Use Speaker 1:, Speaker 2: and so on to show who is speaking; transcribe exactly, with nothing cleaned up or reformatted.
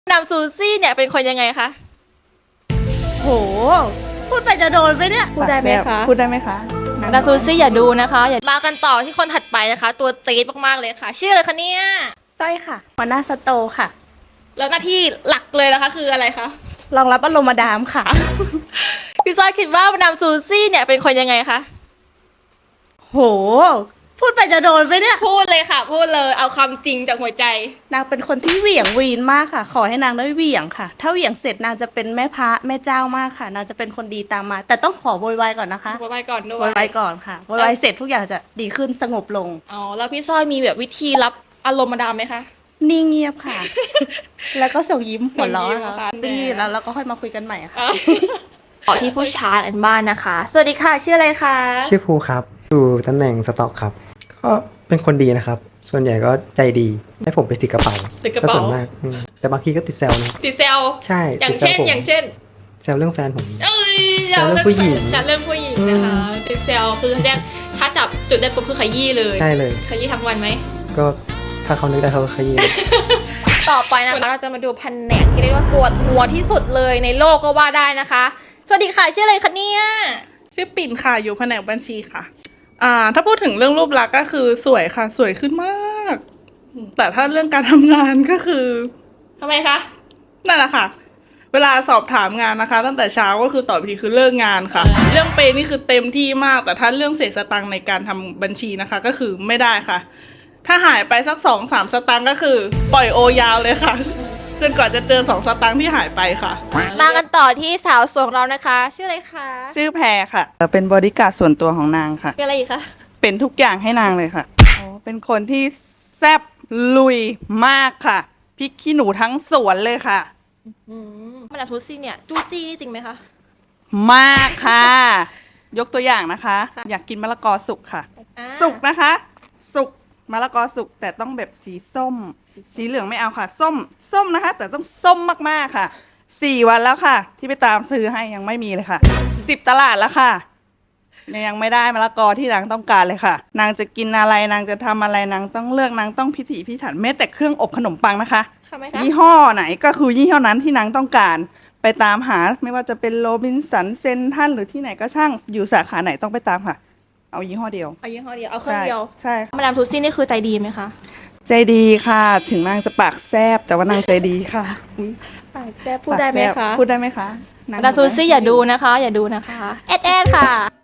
Speaker 1: นำซูซี่เนี่ยเป็นคนยังไงคะ
Speaker 2: โหพูดไปจะโดนไปเนี่ย
Speaker 1: พูดได้ไหมคะ
Speaker 2: พูดได้ไหมคะ
Speaker 1: นำซูซี่อย่าดูนะคะอย่ามากันต่อที่คนถัดไปนะคะ ตัวจี๊ดมากๆเลยค่ะชื่ออะไรคะเนี่ย
Speaker 2: สร้อยค่ะหัวหน้าสโตค่ะ
Speaker 1: แล้วหน้าที่หลักเลยนะคะคืออะไรคะ
Speaker 2: รองรับอารมณ์มาดามค่ะ
Speaker 1: พี่ซอยคิดว่านำซูซี่เนี่ยเป็นคนยังไงคะ
Speaker 2: โหพูดไปจะโดนไปเนี่ย
Speaker 1: พูดเลยค่ะ พูดเลยเอาความจริงจากหัวใจ
Speaker 2: นางเป็นคนที่เหวี่ยงวีนมากค่ะ ขอให้นางได้เหวี่ยงค่ะ ถ้าเหวี่ยงเสร็จนางจะเป็นแม่พระแม่เจ้ามากค่ะนางจะเป็นคนดีตามมา แต่ต้องขอโวยวายก่อนนะคะ
Speaker 1: โวยวายก่อนด้วย
Speaker 2: โวยวายก่อนค่ะโวยวายเสร็จทุกอย่างจะดีขึ้นสงบลง
Speaker 1: อ๋อแล้วพี่ซอยมีแบบวิธีรับอารมณ์มาดามไหมคะ
Speaker 2: นิ่งเงียบค่ะ แล้วก็ส่งยิ้มหัวเราะค่ะดีแล้วเราก็ค่อยมาคุยกันใหม่ค่ะ
Speaker 1: ต่อที่ผู้ชายอันบ้านนะคะสวัสดีค่ะชื่ออะไรคะ
Speaker 3: ชื่อภูครับอยู่ตำแหน่งสต็อกครับก็เป็นคนดีนะครับส่วนใหญ่ก็ใจดีให้ผมไปติดกระเป๋าก็ส่วนมากแต่บางทีก็ติดแซวนะ
Speaker 1: ติดแซว
Speaker 3: ใช่
Speaker 1: อย่างเช่นอย่างเช่น
Speaker 3: แซวเรื่องแฟนผม
Speaker 1: เอ้ย
Speaker 3: แซวเรื่องผู้หญิง
Speaker 1: จัดเรื่องผู้หญิงนะคะติดแซวคือแรกถ้าจับจุดได้ปุ๊บคือขยี้เลย
Speaker 3: ใช่เลย
Speaker 1: ขยี้ทั้งวันไหม
Speaker 3: ก็ถ้าเขานึกได้เขาก็ขยี้
Speaker 1: ต่อไปนะคะเราจะมาดูแผนกที่เรียกว่าปวดหัวที่สุดเลยในโลกก็ว่าได้นะคะสวัสดีค่ะชื่ออะไรคะเนี่ย
Speaker 4: ชื่อปิ่นค่ะอยู่แผนกบัญชีค่ะอ่าถ้าพูดถึงเรื่องรูปลักษณ์ก็คือสวยค่ะสวยขึ้นมากแต่ถ้าเรื่องการทำงานก็คือ
Speaker 1: ทำไมคะ
Speaker 4: นั่นแหละค่ะเวลาสอบถามงานนะคะตั้งแต่เช้าก็คือตอบทีคือเลิกงานค่ะเรื่องเปย์นี่คือเต็มที่มากแต่ถ้าเรื่องเศษสตังค์ในการทำบัญชีนะคะก็คือไม่ได้ค่ะถ้าหายไปสักสองสามสตังค์ก็คือปล่อยโอยาวเลยค่ะจนกว่าจะเจอสองสตังค์ที่หายไปค่ะ
Speaker 1: มากันต่อที่สาวสวยของเรานะคะชื่ออะไรคะ
Speaker 5: ชื่อแพรค่ะเป็นบอดี้การ์ดส่วนตัวของนางค่ะ
Speaker 1: เป็นอะไรอีกคะ
Speaker 5: เป็นทุกอย่างให้นางเลยค่ะอ๋อเป็นคนที่แซ่บลุยมากค่ะพริกขี้หนูทั้งสวนเลยค่ะ
Speaker 1: อืมมันอะทุซี่เนี่ยจู้จี้นี่จริงไหมคะ
Speaker 5: มากค่ะ ยกตัวอย่างนะคะ อยากกินมะละกอสุกค่ะสุกนะคะ สุกมะละกอสุกแต่ต้องแบบสีส้มสีเหลืองไม่เอาค่ะส้มส้มนะคะ แต่ต้องส้มมากๆค่ะสี่วันแล้วค่ะ ที่ไปตามซื้อให้ยังไม่มีเลยค่ะสิบตลาดแล้วค่ะยังไม่ได้มะละกอที่นางต้องการเลยค่ะนางจะกินอะไรนางจะทำอะไรนางต้องเลือกนางต้องพิถีพิถันแม้แต่เครื่องอบขนมปังนะคะยี่ห้อไหนก็คือยี่ห้อนั้นที่นางต้องการไปตามหาไม่ว่าจะเป็นโรบินสันเซนทันหรือที่ไหนก็ช่างอยู่สาขาไหนต้องไปตามค่ะเอายี่ห้อเดียว
Speaker 1: เอายี่ห้อเดียวเอาเครื่องเดียว
Speaker 5: ใช่
Speaker 1: มาดามทุซี่นี่คือใจดีไหมคะ
Speaker 5: ใจดีค่ะถึงนางจะปากแซบแต่ว่านางใจดีค่ะ
Speaker 1: ปากแซบพูดได้ไหมคะ
Speaker 5: พูดได้ไหมคะ
Speaker 1: มาดามทุซี่อย่าดูนะคะอย่าดูนะคะแอดแอดค่ะ